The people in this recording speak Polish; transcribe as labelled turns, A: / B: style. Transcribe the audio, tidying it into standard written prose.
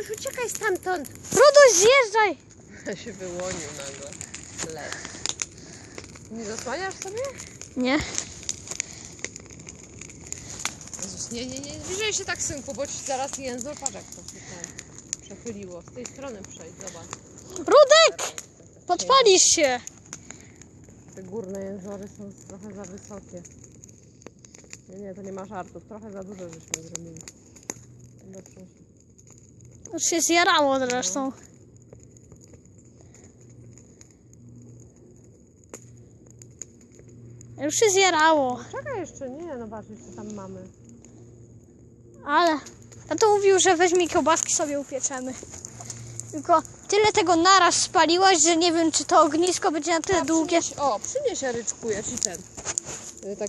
A: Ruduś, uciekaj stamtąd.
B: Ruduś, zjeżdżaj!
A: się wyłonił nagle. Les. Nie zasłaniasz sobie?
B: Nie.
A: Jezus, nie zbliżaj się tak, synku, bo ci zaraz język, patrz jak to się tam przechyliło. Z tej strony przejdź, zobacz.
B: Rudek! Podpalisz się.
A: Te górne jęzory są trochę za wysokie. Nie, to nie ma żartów. Trochę za dużo żeśmy zrobili. Dobrze.
B: Już się zjarało zresztą. Już się zjarało.
A: Czekaj jeszcze, nie, no patrz, jeszcze tam mamy.
B: Ale to mówił, że weźmie kiełbaski sobie upieczemy. Tylko tyle tego naraz spaliłaś, że nie wiem, czy to ognisko będzie na tyle długie.
A: Przynieś Jaryczku, ja ci ten.